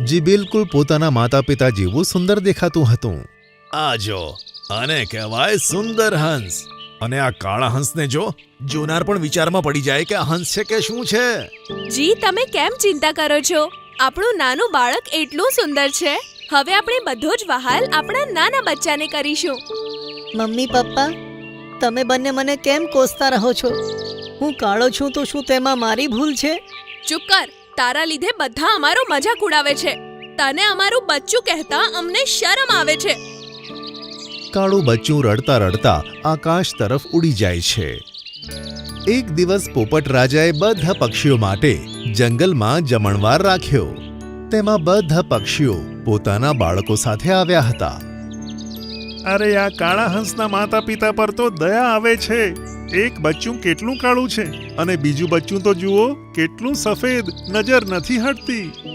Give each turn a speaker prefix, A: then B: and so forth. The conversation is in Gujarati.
A: જે બિલકુલ પોતાના માતા પિતા જેવું સુંદર દેખાતું હતું.
B: આ જો, આને કહેવાય સુંદર હંસ. અને આ કાળા હંસને જો, જોનાર પણ વિચારમાં પડી જાય કે આ હંસ છે કે શું છે.
C: જી, તમે કેમ ચિંતા કરો છો? આપણું નાનું બાળક એટલું સુંદર છે. હવે આપણે બધો જ વહાલ આપણા નાના બચ્ચાને કરીશું.
D: મમ્મી પપ્પા, તમે બંને મને કેમ કોસતા રહો છો? હું કાળો છું તો શું તેમાં મારી ભૂલ છે?
C: ચૂપ કર. તારા લીધે બધા અમારો મજાક ઉડાવે છે. તને અમારું બચ્ચું કહેતા અમને શરમ આવે છે.
A: કાળું બચ્ચું રડતા રડતા આકાશ તરફ ઉડી જાય છે. એક દિવસ પોપટ રાજાએ બધા પક્ષીઓ માટે જંગલમાં જમણવાર રાખ્યો. તેમાં બધા પક્ષીઓ પોતાના બાળકો સાથે આવ્યા હતા.
E: અરે, આ કાળા હંસના માતા પિતા પર તો દયા આવે છે. એક બચ્ચું કેટલું કાળું છે અને બીજું બચ્ચું તો જુઓ કેટલું સફેદ, નજર નથી હટતી.